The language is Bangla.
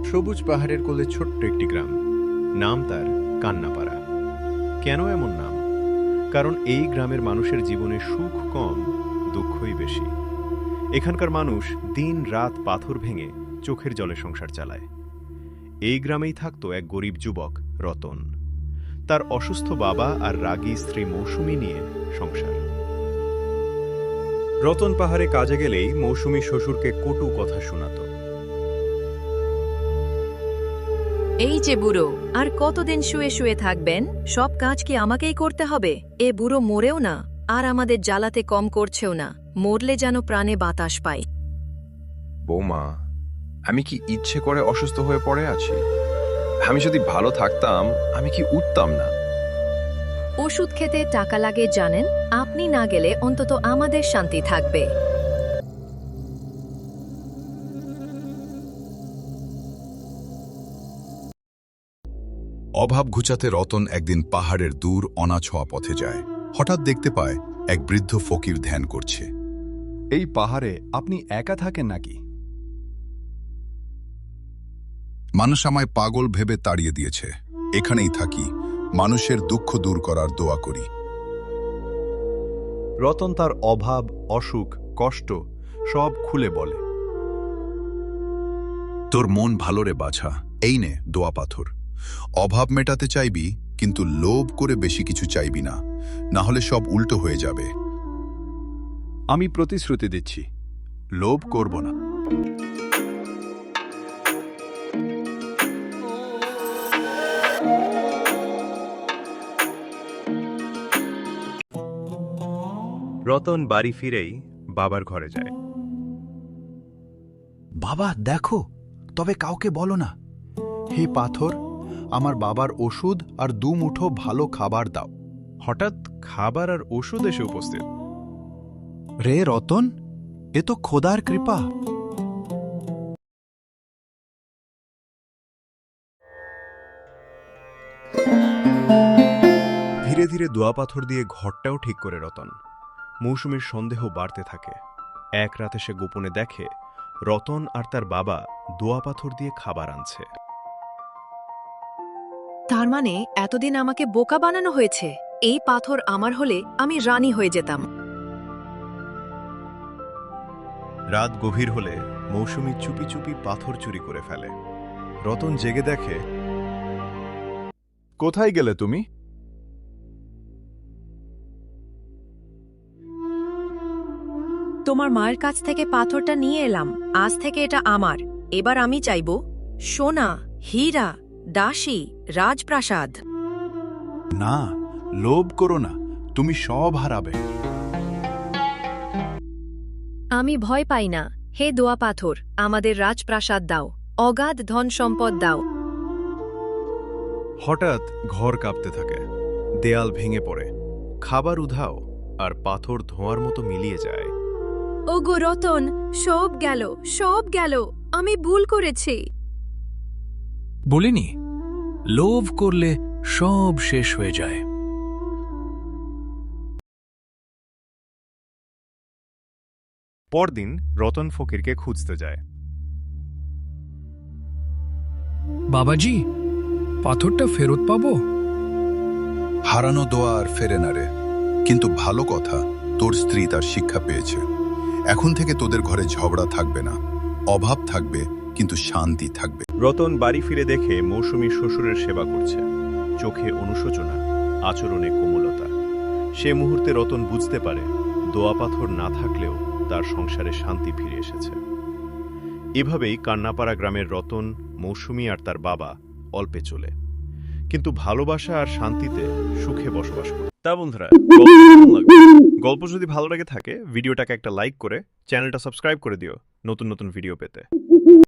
সবুজ পাহাড়ের কোলে ছোট্ট একটি গ্রাম, নাম তার কান্নাপাড়া। কেন এমন নাম? কারণ এই গ্রামের মানুষের জীবনে সুখ কম, দুঃখই বেশি। এখানকার মানুষ দিন রাত পাথর ভেঙে চোখের জলে সংসার চালায়। এই গ্রামেই থাকত এক গরিব যুবক রতন। তার অসুস্থ বাবা আর রাগী স্ত্রী মৌসুমী নিয়ে সংসার। রতন পাহাড়ে কাজে গেলেই মৌসুমী শ্বশুরকে কটু কথা শোনাত। এই যে বুড়ো, আর কতদিন শুয়ে শুয়ে থাকবেন? সব কাজ কি আমাকেই করতে হবে? এ বুড়ো মরেও না, আর আমাদের জ্বালাতে কম করছেও না। মরলে যেন প্রাণে বাতাস পাই। বৌমা, আমি কি ইচ্ছে করে অসুস্থ হয়ে পড়ে আছি? আমি যদি ভালো থাকতাম, আমি কি উঠতাম না? ওষুধ খেতে টাকা লাগে জানেন? আপনি না গেলে অন্তত আমাদের শান্তি থাকবে। অভাব ঘুচাতে রতন একদিন পাহাড়ের দূর অনাছোয়া পথে যায়। হঠাৎ দেখতে পায় এক বৃদ্ধ ফকির ধ্যান করছে। এই পাহাড়ে আপনি একা থাকেন নাকি? মানুষ আমায় পাগল ভেবে তাড়িয়ে দিয়েছে। এখানেই থাকি, মানুষের দুঃখ দূর করার দোয়া করি। রতন তার অভাব, অসুখ, কষ্ট সব খুলে বলে। তোর মন ভালো রে বাছা, এই নে দোয়া পাথর। অভাব মেটাতে চাইবি, কিন্তু লোভ করে বেশি কিছু চাইবি না, না হলে সব উল্টো হয়ে যাবে। আমি প্রতিশ্রুতি দিচ্ছি, লোভ করব না। রতন বাড়ি ফিরেই বাবার ঘরে যায়। বাবা দেখো, তবে কাউকে বলো না। হে পাথর, আমার বাবার ওষুধ আর 2 মুঠো ভালো খাবার দাও। হঠাৎ খাবার আর ওষুধ এসে উপস্থিত। রে রতন, এ তো খোদার কৃপা। ধীরে ধীরে দোয়া পাথর দিয়ে ঘরটাও ঠিক করে রতন। মৌসুমীর সন্দেহ বাড়তে থাকে। এক রাতে সে গোপনে দেখে রতন আর তার বাবা দোয়া পাথর দিয়ে খাবার আনছে। তার মানে এতদিন আমাকে বোকা বানানো হয়েছে। এই পাথর আমার হলে আমি রানী হয়ে যেতাম। রাত গভীর হলে মৌসুমী চুপি চুপি পাথর চুরি করে ফেলে। রতন জেগে দেখে, কোথায় গেলে তুমি? তোমার মায়ের কাছ থেকে পাথরটা নিয়ে এলাম। আজ থেকে এটা আমার। এবার আমি চাইব সোনা, হীরা, দাসী, রাজপ্রাসাদ। না, লোভ করো না, তুমি সব হারাবে। আমি ভয় পাই না। হে দোয়া পাথর, আমাদের রাজপ্রাসাদ দাও, অগাধ ধন সম্পদ দাও। হঠাৎ ঘর কাঁপতে থাকে, দেয়াল ভেঙে পড়ে, খাবার উধাও, আর পাথর ধোঁয়ার মতো মিলিয়ে যায়। ওগো রতন, সব গেল, সব গেল। আমি ভুল করেছি। বলিনি, লোভ করলে সব শেষ হয়ে যায়। পরদিন রতন ফকিরকে খুঁজতে যায়। বাবাজি, পাথরটা ফেরত পাবো? হারানো দোয়া আর ফেরে না রে, কিন্তু ভালো কথা, তোর স্ত্রী তার শিক্ষা পেয়েছে। এখন থেকে তোদের ঘরে ঝগড়া থাকবে না, অভাব থাকবে কিন্তু শান্তি থাকবে। রতন বাড়ি ফিরে দেখে মৌসুমী শ্বশুরের সেবা করছে। চোখে অনুশোচনা, আচরণে কোমলতা। সে মুহূর্তে রতন বুঝতে পারে দোয়া পাথর না থাকলেও তার সংসারে শান্তি ফিরে এসেছে। এভাবেই কান্নাপাড়া গ্রামের রতন, মৌসুমী আর তার বাবা অল্পে চলে, কিন্তু ভালোবাসা আর শান্তিতে সুখে বসবাস করে। তা বন্ধুরা, গল্প যদি ভালো লাগে থাকে ভিডিওটাকে একটা লাইক করে চ্যানেলটা সাবস্ক্রাইব করে দিও নতুন নতুন ভিডিও পেতে।